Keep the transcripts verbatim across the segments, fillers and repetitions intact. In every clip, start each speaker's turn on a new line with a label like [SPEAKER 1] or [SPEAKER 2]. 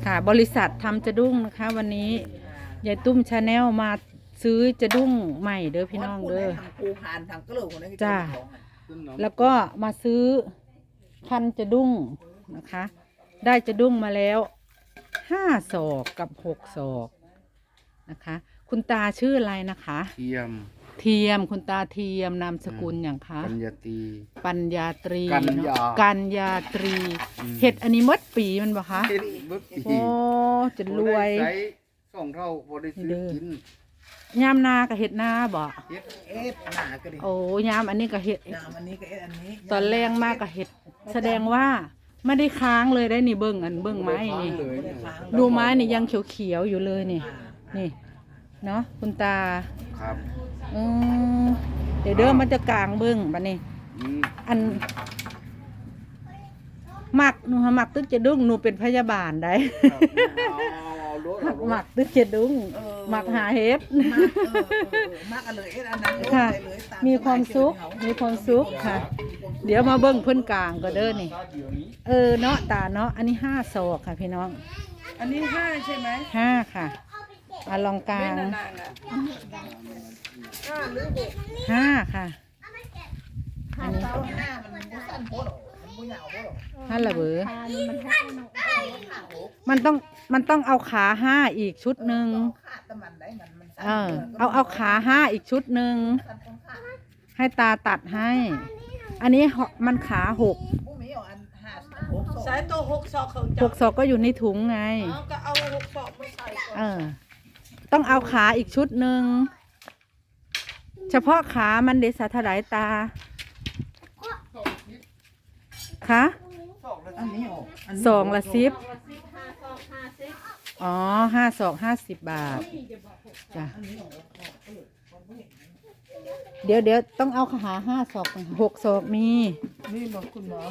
[SPEAKER 1] ค่ะบริษัททำจะดุ้งนะคะวันนี้ยายตุ้มชาแนลมาซื้อจะดุ้งใหม่เด้อพี่น้องเด้อจ้าแล้วก็มาซื้อพันจะดุ้งนะคะได้จะดุ้งมาแล้วห้าศอกกับหกศอกนะคะคุณตาชื่ออะไรนะคะ
[SPEAKER 2] เทียม
[SPEAKER 1] เทียมคุณตาเทียมนามสกุลอย่างคะ
[SPEAKER 2] ปัญญาตรี
[SPEAKER 1] ปัญญาตรี
[SPEAKER 2] กัญญา
[SPEAKER 1] กัญญาตรีเห็ดอันนี้มดปีมันบ่คะโอ้จะรวย
[SPEAKER 2] สองเท่าบริสุทธิ์กิน
[SPEAKER 1] ยามนากับเห็ดนาบ่
[SPEAKER 2] เฮ็ดเอ็ดนาก็ดิ
[SPEAKER 1] โอ้ยามอันนี้กับเห็ด
[SPEAKER 2] ยามอันนี้ก็เอ็ดอันนี้
[SPEAKER 1] ตอนแรงมากกับเห็ดแสดงว่าไม่ได้ค้างเลยได้นี่เบิ้งอันเบิ้งไม้นี่ดูไม้นี่ยังเขียวๆอยู่เลยนี่นี่เนาะคุณตา
[SPEAKER 2] ครับ
[SPEAKER 1] อืมเดี๋ยวเดิมมันจะกลางเบิ้งบัดนี้อันหมักหนูหมักตึกจะดุ้งหนูเป็นพยาบาลได้หมักตึกจะดุ้งหมักหาเห็ดค่ะมีความสุขมีความสุขค่ะเดี๋ยวมาเบิ้งเพิ่นกลางก็เด้อนี่เออเนาะตาเนาะอันนี้ห้าศอกค่ะพี่น้อง
[SPEAKER 3] อันนี้ห้าใช่ไหม
[SPEAKER 1] ห้าค่ะมาลองกลางห้าค่ะอันนี้ห้าระเบอมันต้องมันต้องเอาขาห้าอีกชุดหนึ่งเออเอาเอาขาห้าอีกชุดหนึ่งให้ตาตัดให้อันนี้มันขาหก
[SPEAKER 3] สายตัวหกศอก
[SPEAKER 1] หกศอกก็อยู่ในถุงไง
[SPEAKER 3] ก็เอาหกศอกมาใส่ก่อน
[SPEAKER 1] เออต้องเอาขาอีกชุดหนึ่งเฉพาะขามันเดชะถลายตาคะสองละสิบอ๋อห้าสองห้าสิบบาทจ้ะเดี๋ยวเดี๋ยวต้องเอาขาห้าศอกหกศอกมี
[SPEAKER 3] นี่บอกคุณหมอ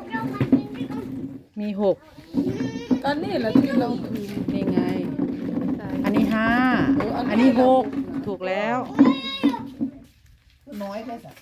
[SPEAKER 1] มีหก
[SPEAKER 3] ก็นี่แหละที่เราคืน
[SPEAKER 1] นี่ไงอันนี้ห้าอันนี้หกถูกแล้ว
[SPEAKER 3] น้อยแค่สัก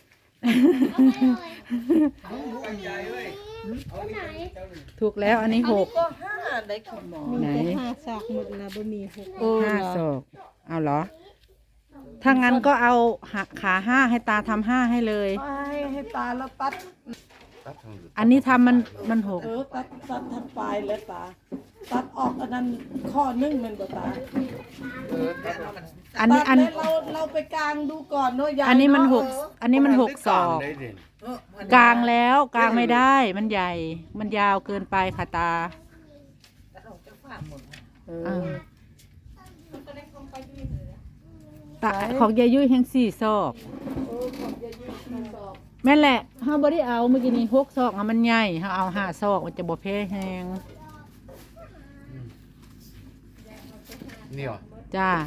[SPEAKER 1] ถูกแล้วอันนี้หก
[SPEAKER 3] ก็ห้าได้คุณหมอ
[SPEAKER 1] ไหน
[SPEAKER 3] ห้าศอกหมดนะบะหมี่หก
[SPEAKER 1] ห้าศอกเอาเหรอถ้างั้นก็เอาขาห้าให้ตาทำห้าให้เลย
[SPEAKER 3] ให้ให้ตาแล้วตัด
[SPEAKER 1] อันนี้ทำมันมันหก
[SPEAKER 3] เออตัดตัดทำปลายแล้วตาตัดออกอันนั้นข้อนึ่งมันบ่ตา
[SPEAKER 1] อันนี้อัน
[SPEAKER 3] เราเราไปกลางดูก่อนเนาะยาย
[SPEAKER 1] อันนี้มันหกอันนี้มันหกศอกกลางแล้วกลางไม่ได้มันใหญ่มันยาวเกินไปค่ะตาตาของยายยุ้ยแห่งสี่ศอกแม่นแหละเฮาบ่ได้เอาเมื่อกี้นี้หกศอกมันใหญ่เฮาเอาห้าศอกมันจะบ่แพ้แฮง
[SPEAKER 2] นี่หรอ
[SPEAKER 1] จ้า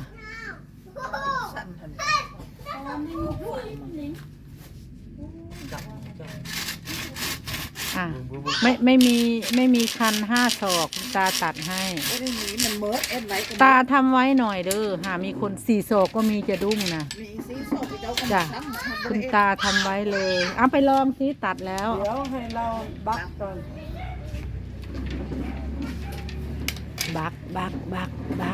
[SPEAKER 1] อ่ะไม่ไม่มีไม่มีคันห้าศอกตาตัดให้ตาทำไว้หน่อยเด้อหามีคนสี่ศอกก็มีจะดุ้งนะจ้ะคุณตาทำไว้เลยเอาไปลองซิตัดแล้ว
[SPEAKER 3] เดี๋ยวให้เราบักก่อน
[SPEAKER 1] บักบักบักบัก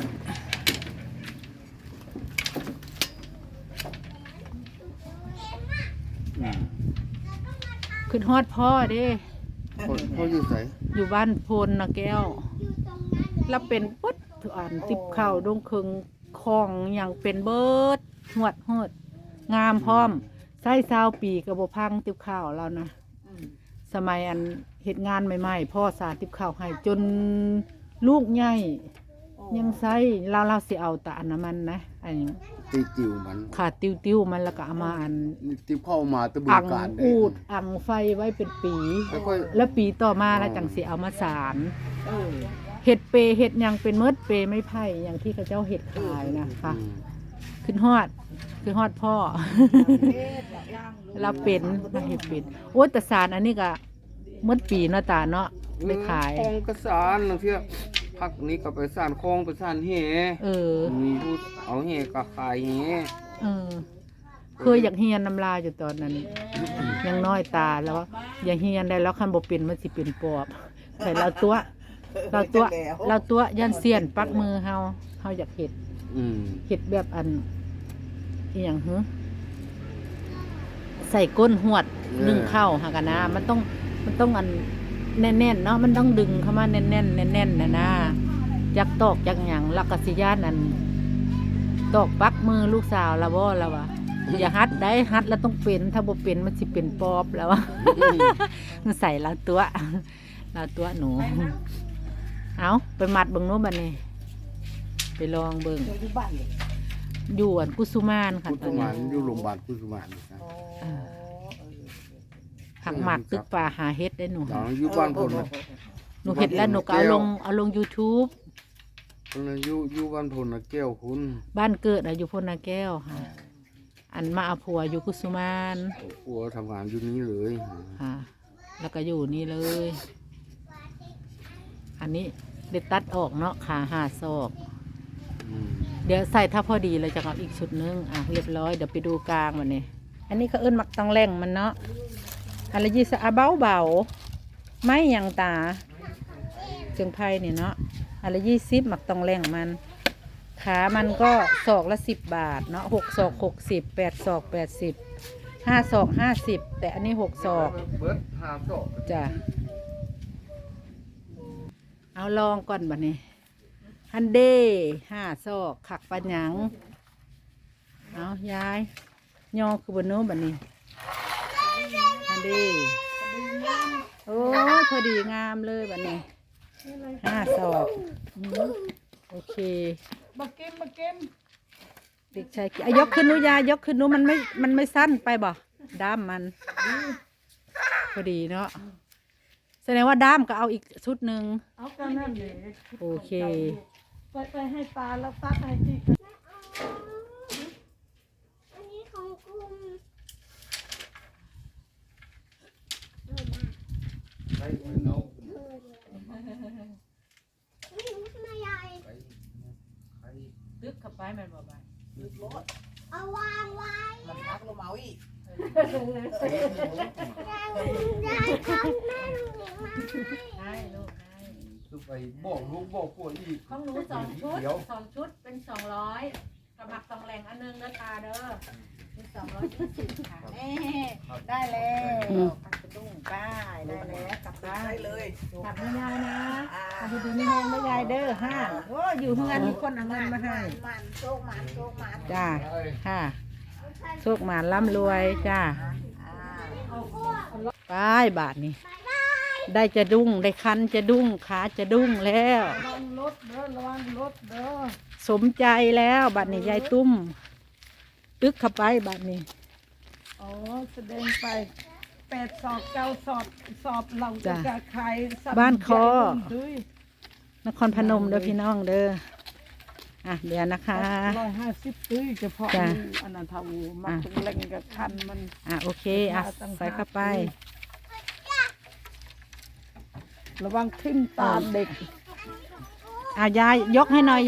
[SPEAKER 1] ขึ้นฮอดพ่อเด้
[SPEAKER 2] พ่ออยู่ไหน
[SPEAKER 1] อยู่บ้านพลนะแก้วแล้วเป็นปุ๊ดอ่านติบเข่าดงเคืองคลองอย่างเป็นเบิดหวดหดงามพร้อมไส้ซาวปีกระบบพังติบข่าวเรานะสมัยอันเหตุงานใหม่ๆพ่อสาติบข่าวให้จนลูกใหญ่ยังไส้เราเราสิเอาแต่อันนั้นมันนะอันนี้
[SPEAKER 2] ติวติวมัน
[SPEAKER 1] ขาดติวติวมันแล้วก็เอามาอัน
[SPEAKER 2] ติวเข้ามาตะบู
[SPEAKER 1] การอูดอังไฟไว้เป็นปีแล้วปีต่อมาแล้วจังสิเอามาสารเห็ดเปเห็ดยังเป็นเมิดเปไม่ไผ่อย่างที่เขาเจ้าเห็ดขายนะคะขึ้นฮอดขึ้นฮอดพ่อเราเป็นเราเห็ดเป็นโอ้แต่สารอันนี้ก็เมิดปีเนาะตาเนาะไปขาย
[SPEAKER 2] คลองกระสานนะเพี่ยพักนี้ก็ไปสานคลองไปสานแห่
[SPEAKER 1] เออ
[SPEAKER 2] มีพูดเอาแห่ก็ขายแห่
[SPEAKER 1] เออเคยอยากเฮียนน้ำลายอยู่ตอนนั้นยังน้อยตาแล้วอย่าเฮียนได้แล้วคันบ่เป็นมันสิเป็นปอบใส่เราตัวเราตัวเราตัวยันเสียนปักมือเฮาเฮาอยากเห็ด
[SPEAKER 2] อืม
[SPEAKER 1] เห็ดแบบอันอีหยังหือใส่ก้นหวดนึ่งข้าวหากันนะมันต้องมันต้องอันแน่นๆเนาะมันต้องดึงเข้ามาแน่นๆแน่นๆนะนะจักตอกจักหยังลักกสิยานอันตอกปักมือลูกสาวละบ่ละวะอย่าฮัดได้ฮัดแล้วต้องเป็นถ้าบ่เป็นมันสิเป็นปอบแล้ววะ มันใส่ละตัวละตัวหนูเอาไปมัดเบิ่งโน้บัดนี้ไปลองเบิ่ง
[SPEAKER 3] เดี๋ยวอยู่บ้านเลย
[SPEAKER 1] อยู่อันกุสุมานค่ะ
[SPEAKER 2] กุ
[SPEAKER 1] ตอ
[SPEAKER 2] สุ
[SPEAKER 1] น
[SPEAKER 2] มา
[SPEAKER 1] นี้
[SPEAKER 2] นอยู่โรงพยาบาลกุสุมานนะ
[SPEAKER 3] อ๋อเออ
[SPEAKER 1] ผักหมัดตึกป่าหาเฮ็ดได้หนู
[SPEAKER 2] หลังอยู่บ้านพลนะ
[SPEAKER 1] หนูเห็ดแล้วหนูก็เอาลงเอาลง YouTube
[SPEAKER 2] คนนั้นอยู่อยู่บ้านพลนะแก้วคุณ
[SPEAKER 1] บ้านเกิดอะอยู่พลนาแก้วค่ะ อันมาเอาผัวอยู่กุสุมาน
[SPEAKER 2] ผัวทำงานอยู่นี้เลย
[SPEAKER 1] ค่ะ แล้วก็อยู่นี่เลย อันนี้เด็ดตัดออกเนาะขาหาศอก
[SPEAKER 2] อืม
[SPEAKER 1] เดี๋ยวใส่ถ้าพอดีเราจะเอาอีกชุดนึงอ่ะเรียบร้อยเดี๋ยวไปดูกลางวันนี้ อันนี้เขาเอิ้นมักตองแรงมันเนาะอะไรยี่สะอาเบาเบาไม่หยังตาเชียงไพ่เนี่ยเนาะอะไรยี่สิบมักตองแรงมัน ขามันก็ศอกละสิบบาทเนาะหกศอกหกสิบแปดศอกแปดสิบห้าศอกห้าสิบแต่อันนี้หกศอก
[SPEAKER 2] เบิร์ดหาศอก
[SPEAKER 1] จ้ะเอาลองก่อนบัดนี้ฮันเดห้าซอกขักปัญญังเอายายยอคือบนโน้บัดนี้ฮันเดโอ้ยพอดีงามเลยบัดนี้ห้าซอกอืมโอเค
[SPEAKER 3] มาเก็มมาเก็ม
[SPEAKER 1] เด็กชายกิอ่ะยกขึ้นหนูยายยกขึ้นหนูมันไม่มันไม่สั้นไปบ่ด้ามมันพอดีเนาะแสดงว่าด้ามก็เอาอีกชุดหนึ่ง
[SPEAKER 3] เอากันนั่นเลย
[SPEAKER 1] โอเค
[SPEAKER 3] ไปไปให้ตาแล้วตัดให้ที่
[SPEAKER 4] อันนี้ของกลุ่ม
[SPEAKER 2] ไปเนาะ
[SPEAKER 4] ไม่รู้ทำไมยาย
[SPEAKER 1] ตึกขับไปแม่นบ่ไป
[SPEAKER 4] เอาวางไว้
[SPEAKER 3] มันพักลงมาอีก
[SPEAKER 4] ยายยายทำแม่หนูหนีมาให้
[SPEAKER 1] ได้ลูกได้
[SPEAKER 2] คือไปบอกลูกบอกผัวอีก
[SPEAKER 1] ของหนูสองชุด
[SPEAKER 2] เดี๋ยว
[SPEAKER 1] สองชุดเป็นสองร้อยกระหมักสองแหล่งอันหนึงเด้อตาเด้อเป็นสองร้อยยี่สิบค่ะแม่ได้แล้วปักกระดุ้งป้ายได้แล้วกลับบ้าน
[SPEAKER 3] ได้เลย
[SPEAKER 1] กลับไม่ยายนะกลับไปดูไม่แห้งไม่ยายเด้อห้าโอ้อยู่เฮือนมีคนเอาเงินมาให้
[SPEAKER 3] มันโชคมันโชคมัน
[SPEAKER 1] จ้าค่ะโชคหมานร่ำรวยจ้าไปบาทนี่ได้จะดุ้งได้คันจะดุ้งขาจะดุ้งแล้ว
[SPEAKER 3] ระวังรถเด้อระวังรถเด้อ
[SPEAKER 1] สมใจแล้วบัดนี้ยายตุ้ม ตึกเข้าไปบัดนี้
[SPEAKER 3] อ๋อแสดงไปแปดสอบเก้าสอบสอบเรา
[SPEAKER 1] จ้ะ
[SPEAKER 3] จะขายสัตว์
[SPEAKER 1] บ้านคอ
[SPEAKER 3] ใหญ่ด้วย
[SPEAKER 1] นครพนมเด้อพี่น้องเด้ออ่ะเดี๋ยวนะคะ
[SPEAKER 3] ร้อยห้าสิบตุ้ยเฉพาะ
[SPEAKER 1] จ้ะ
[SPEAKER 3] อันนั้นเท่ามาถึงเล่งกับคันมัน
[SPEAKER 1] อ่ะโอเคอ่ะใส่เข้าไป
[SPEAKER 3] ระวังทิ่มตาเด็ก
[SPEAKER 1] อ่ะยายยกให้หน่อย